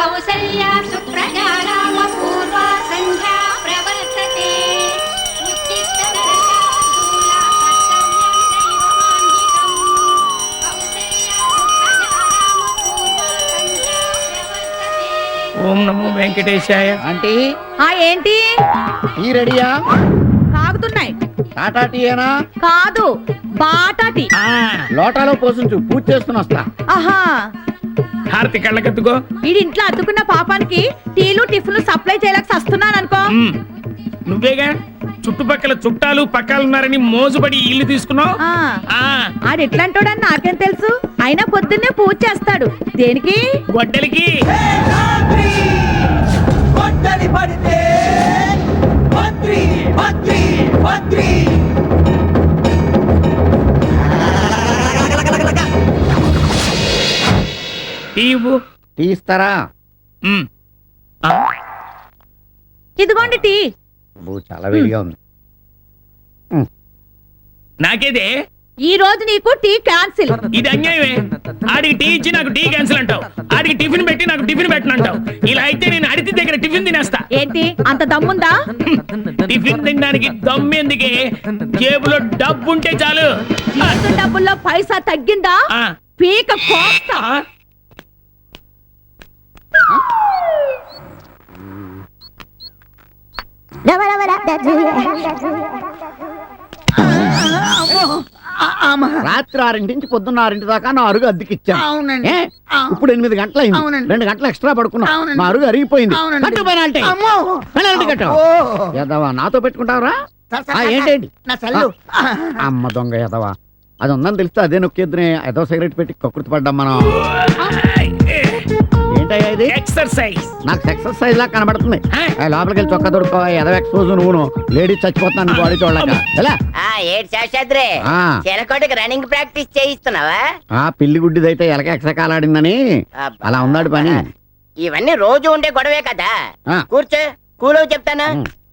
కౌసల్యా సుప్రజా రామ పూర్వా సంధ్యా ప్రవర్తతే ఉత్తిష్ట నరశార్దూలా కర్తవ్యం దైవమాన్వికం కౌసల్యా సుప్రజా రామ పూర్వా సంధ్యా ప్రవర్తతే. ఓం నమో వెంకటేశాయ. ఆంటీ ఏంటి టీ రెడీయా? తాగుతున్నాయి. టాటా టీయేనా? కాదు, బాటాటి. లోటాలో పోసించు, పూజ చేసుకుని వస్తా. ఆహా, హారతి కళ్ళకెత్తుకో. వీడి ఇంట్లో అతుకున్న పాపానికి టీలు టిఫిన్లు సప్లై చేయలేక వస్తున్నాను అనుకో. నువ్వేగా చుట్టుపక్కల చుట్టాలు పక్కాలున్నారని మోజుబడి ఇల్లు తీసుకున్నావు. ఆడు ఎట్లాంటోడని నాకేం తెలుసు. అయినా పొద్దున్నే పూజ చేస్తాడు. దేనికి? గొడ్డలికి. టీ ఇస్తారా? ఇదిగోండి టీ. చాలా వేడిగా ఉంది. నాకేదే ఈ రోజు నీకు టీ క్యాన్సిల్. ఇది అన్యాయమే. ఆడికి టీ ఇచ్చి నాకు టీ క్యాన్సిల్ అంటావు, ఆడికి టిఫిన్ పెట్టి నాకు టిఫిన్ పెట్టనంటావు. ఇలా అయితే నేను అడితి దగ్గర టిఫిన్ తినేస్తా. ఏంటి అంత దమ్ముందా? టిఫిన్ తినడానికి దమ్మెందుకే, జేబులో డబ్బు ఉంటే చాలు. డబ్బుల్లో పైసా తగ్గిందా? పీక కోస్తా. రాత్రి 6 నుంచి పొద్దున్న 6 దాకా నా అరుగు అద్దెకిచ్చాను. ఇప్పుడు 8 గంటలైంది. 2 గంటలు ఎక్స్ట్రా పడుకున్నా. నా అరుగు అరిగిపోయింది. యదవా నాతో పెట్టుకుంటావరా? ఏంటండి అమ్మ దొంగ యదవా. అది ఉందని తెలిస్తే అదే నొక్కేద్దునే. ఏదో సిగరెట్ పెట్టి కక్కుర్తి పడ్డాం మనం. ఏంటయ్యా ఇది? ఎక్సర్సైజ్. నాకు ఎక్సర్సైజ్ లా కనబడుతుంది. లోపలికి వెళ్ళి చొక్కా దొరుకో. ఎదవ ఎక్స్పోజ్ నువ్వును. లేడీస్ చచ్చిపోతున్నాను బాడీ చూడలేక. చెలకోటికి రన్నింగ్ ప్రాక్టీస్ చేయిస్తున్నావా? పిల్లి గుడ్డిదైతే ఎలక ఎక్సకాలాడిందని అలా ఉన్నాడు పని. ఇవన్నీ రోజు ఉండే గొడవే కదా. కూర్చో, కూలో చెప్తాను.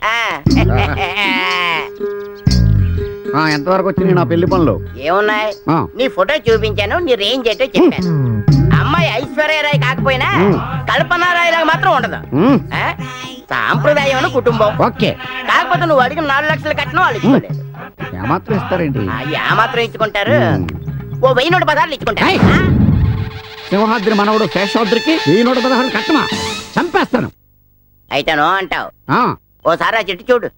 ఎంతవరకు వచ్చినాయి నా పెళ్లి పనులు? ఏమున్నాయి? నీ ఫోటో చూపించాను, నీ రేంజ్ ఏంటో చెప్పాను. అమ్మాయి ఐశ్వర్యరాయ్ కాకపోయినా కల్పనారాయ్ లాగా మాత్రం ఉండదు. సాంప్రదాయం కుటుంబం. ఓకే, కాకపోతే నువ్వు అడిగిన 4 లక్షలు కట్టినా వాళ్ళు ఇచ్చుకోలేదు. ఏమాత్రం ఇస్తారేంటి? ఏమాత్రం ఇచ్చుకుంటారు? ఓ 1000 పదార్లు ఇచ్చుకుంటారు. సింహాద్రి మనవడు శేషాద్రికి 1016 కట్టమా? చంపేస్తాను. అయితేనో అంటావు. ఓసారి ఆ చెట్టు చూడు,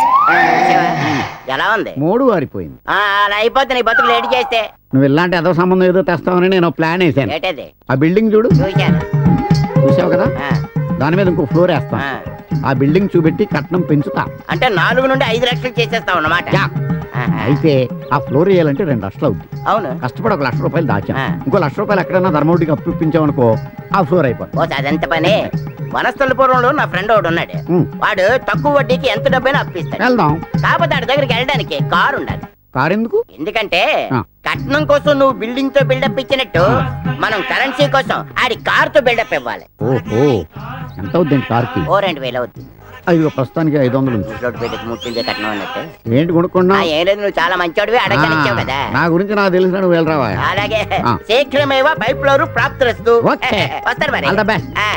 ఎలా ఉంది? 3 వారిపోయింది. అలా అయిపోతే నీ బతుకు లేట్ చేస్తే. నువ్వు ఇలాంటి ఏదో సంబంధం ఏదో తెస్తావని నేను ప్లాన్ వేసాను. ఏంటది? ఆ బిల్డింగ్ చూడు. చూశాను. చూసావు కదా, దాని మీద ఇంకో ఫ్లోర్ వేస్తా. ఆ బిల్డింగ్ చూపెట్టి కట్నం పెంచుతా. అంటే 4 నుండి 5 లక్షలు చేసేస్తావు అన్నమాట. అయితే ఆ ఫ్లోర్ వేయాలంటే 2 లక్షలు అవుతుంది. అవును. కష్టపడి 1 లక్ష రూపాయలు దాచా. ఇంకో 1 లక్ష రూపాయలు ఎక్కడైనా ధర్మవటికి అప్పించామనుకో, ఆ ఫ్లోర్ అయిపోతుంది. అదెంత పని? వనస్థలపురంలో నా ఫ్రెండ్ ఒకడు ఉన్నాడు. వాడు తక్కువ వడ్డీకి ఎంత డబ్బైనా అప్పిస్తాడు. వెళ్దాం. కాకపోతే వాడి దగ్గరికి వెళ్ళడానికి కారు ఉండాలి. కారు ఎందుకు? ఎందుకంటే కట్నం కోసం నువ్వు బిల్డింగ్ తో బిల్డప్ ఇచ్చినట్టు మనం కరెన్సీ కోసం ఆడి కార్ తో బిల్డప్ ఇవ్వాలి. ఓహో, ఎంత అవుద్ది కార్కి? 2000 అవుతుంది. అయ్యో, ప్రస్తుతానికి 500 ముట్టిందే కట్నం అన్నట్టు. ఏంటి కొనుక్కున్నా? ఏం లేదు, నువ్వు చాలా మంచివాడివి, అడగనిచ్చావు కదా. నా గురించి నాకు తెలిసిన నువ్వు వెళ్ళరావా? అలాగే శీఘ్రమేవా పైప్ లో ప్రాప్తిరస్తు. వస్తారు మరి.